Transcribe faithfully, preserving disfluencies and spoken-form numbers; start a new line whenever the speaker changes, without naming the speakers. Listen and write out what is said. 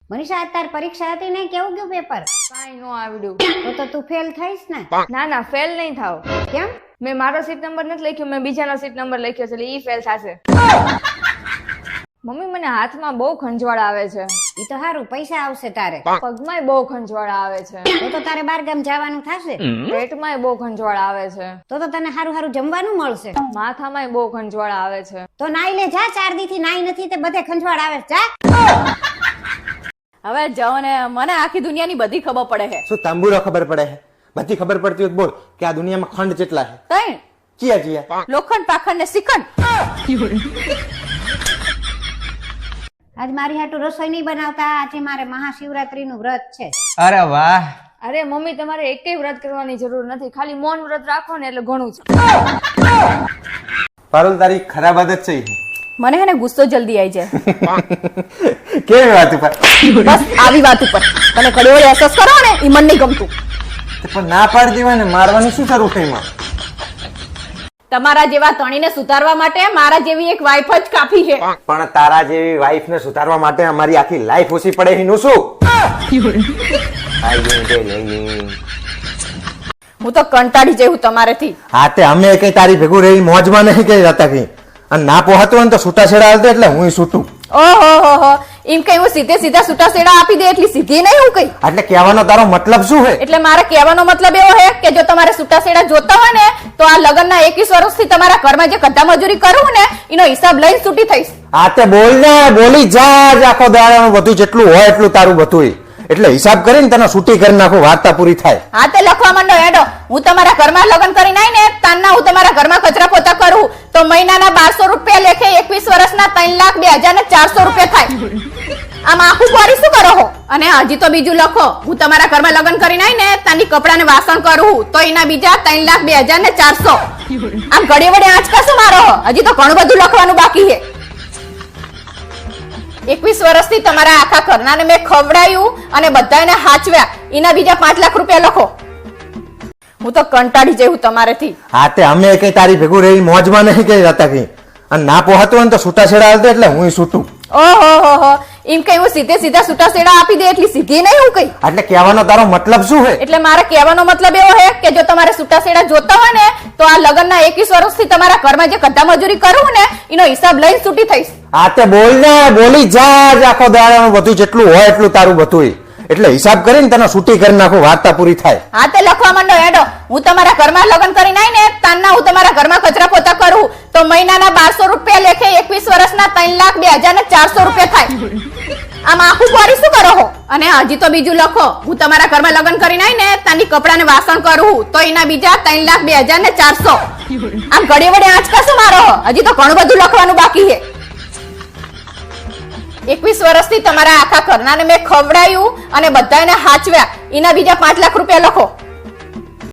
મનીષા તાર પરીક્ષા હતી ને કેવું ગયું પેપર?
કાઈ નો આવડ્યું.
તો તો તું ફેલ થઈશ ને?
ના ના ફેલ નહીં થાવ.
કેમ?
મેં મારો સીટ નંબર નથી લખ્યો, મેં બીજાનો સીટ નંબર લખ્યો છે એટલે ઈ ફેલ થશે. મમ્મી મને હાથમાં બહુ ખંજવાળ આવે છે.
ઈ તો સારું, પૈસા આવશે તારે.
પગમાંય બહુ ખંજવાળ આવે છે.
તો તો તારે બાર ગામ જવાનું થશે.
પેટમાંય બહુ ખંજવાળ આવે છે.
તો તો તને સારું સારું જમવાનું મળશે.
માથામાંય બહુ ખંજવાળ આવે છે.
તો નાઈ લે જા, ચાર દી થી નાઈ નથી તે બધે ખંજવાળ આવે છે. જા
હવે જાઓ ને, મને આખી દુનિયાની બધી ખબર પડે છે.
શું તાંબુરો ખબર પડે છે? બધી ખબર પડતી હોય તો બોલ કે આ દુનિયામાં ખંડ કેટલા છે?
તઈ
ચિયા ચિયા?
લોખંડ, પાખંડ ને શ્રીખંડ.
આજ મારી હાટુ રસોઈ નહીં બનાવતા, આજે મારે મહાશિવરાત્રી નું વ્રત છે.
અરે વાહ!
અરે મમ્મી તમારે એકેય વ્રત કરવાની જરૂર નથી, ખાલી મૌન વ્રત રાખો ને એટલે ઘણું છે.
પારુલ તારી ખરાબ આદત છે ઈ.
મને હે ને ગુસ્સો જલ્દી આવી જાય.
કેવી વાત ઉપર?
બસ આવી વાત ઉપર તને કડી વળી અસસ કરો ને ઈ મન નહીં ગમતું.
પણ ના પાડી દેવાય ને, મારવાની શું જરૂર છે એમાં?
તમારા જેવા તણીને સુધારવા માટે મારા જેવી એક વાઈફ જ કાફી છે.
પણ તારા જેવી વાઈફ ને સુધારવા માટે અમારી આખી લાઈફ ઓછી પડે એનું શું?
હું તો કંટાળી જઈ હું તમારેથી.
હા તે અમે કઈ તારી ભેગું રહી મોજમાં નહીં કઈ હતા કઈ, અને ના પોહાતું હોય ને તો છૂટાછેડા હાલતો એટલે હું છૂટું.
ઓહો હો હો એમ કઈ હું સીધે સીધા છૂટા છેડા આપી દે એટલી સીધી નહીં હું કઈ.
એટલે કહેવાનો તારો મતલબ શું છે?
એટલે મારે કહેવાનો મતલબ એવો છે કે જો તમારે છૂટા છેડા જોતા હોય ને તો આ લગ્નના એકવીસ વર્ષથી તમારા ઘરમાં જે કદ્દા મજૂરી કરું ને એનો હિસાબ લઈને છૂટી થઈશ.
હા તે બોલ ને, બોલી જા જ આખો દાડાનું બધું જેટલું હોય એટલું તારું બધું, એટલે હિસાબ કરીને તને છૂટી કરી નાખું, વાર્તા પૂરી થાય.
હા તે લખવા માંડો હેડો. હું તમારા ઘરમાં લગ્ન કરીને આવીને તાનના હું તમારા ઘરમાં કચરા પોતા કરું તો મહિનાના બારસો રૂપિયા લેખે એકવીસ વર્ષના ત્રણ લાખ બે હજાર ને ચારસો રૂપિયા થાય. આમ આખું કોરી શું કરો છો? અને હજી તો બીજું લખો, હું તમારા ઘરમાં લગ્ન કરીને આવીને તાની કપડાને વાસણ કરું તો એના બીજા ત્રણ લાખ બે હજાર ને ચારસો. આમ ઘડી વડે આંચકા શું મારો? હજી તો ઘણું બધું લખવાનું બાકી છે. એકવીસ વર્ષથી તમારા આખા ઘરનાને મેં ખવડાયું અને બધાને હાચવ્યા, એના બીજા પાંચ લાખ રૂપિયા લખો. હું તો કંટાળી જઈ હું તમારેથી.
હા તે અમે કઈ તારી ભેગું રહી મોજમાં નહીં કઈ હતા કઈ, અને ના પોહાતું હોય ને તો છૂટાછેડા હાલતો એટલે હું છૂટું.
ઓહો હો હો એમ કઈ હું સીધે સીધા છૂટા છેડા આપી દે એટલી સીધી નહીં હું કઈ.
એટલે કહેવાનો તારો મતલબ શું છે?
એટલે મારે કહેવાનો મતલબ એવો છે કે જો તમારે છૂટા છેડા જોતા હોય ને તો આ લગ્નના એકવીસ વર્ષથી તમારા ઘરમાં જે કદ્દા મજૂરી કરું ને એનો હિસાબ લઈને છૂટી થઈશ.
હા તે બોલ ને, બોલી જા જ આખો દાડાનું બધું જેટલું હોય એટલું તારું બધું, એટલે હિસાબ કરીને તને છૂટી કરી નાખું, વાર્તા પૂરી થાય.
હા તે લખવા માંડો હેડો. હું તમારા ઘરમાં લગ્ન કરીને આવીને તાનના હું તમારા ઘરમાં કચરા પોતા કરું તો મહિનાના બારસો રૂપિયા લેખે એકવીસ વર્ષના ત્રણ લાખ બે હજાર ને ચારસો રૂપિયા થાય. આમ આખું કોરી શું કરો છો? અને હજી તો બીજું લખો, હું તમારા ઘરમાં લગ્ન કરીને આવીને તાની કપડાને વાસણ કરું તો એના બીજા ત્રણ લાખ બે હજાર ને ચારસો. આમ ઘડી વડે આંચકા શું મારો? હજી તો ઘણું બધું લખવાનું બાકી છે. એકવીસ વર્ષથી તમારા આખા ઘરનાને મેં ખવડાયું અને બધાને હાચવ્યા, એના બીજા પાંચ લાખ રૂપિયા લખો.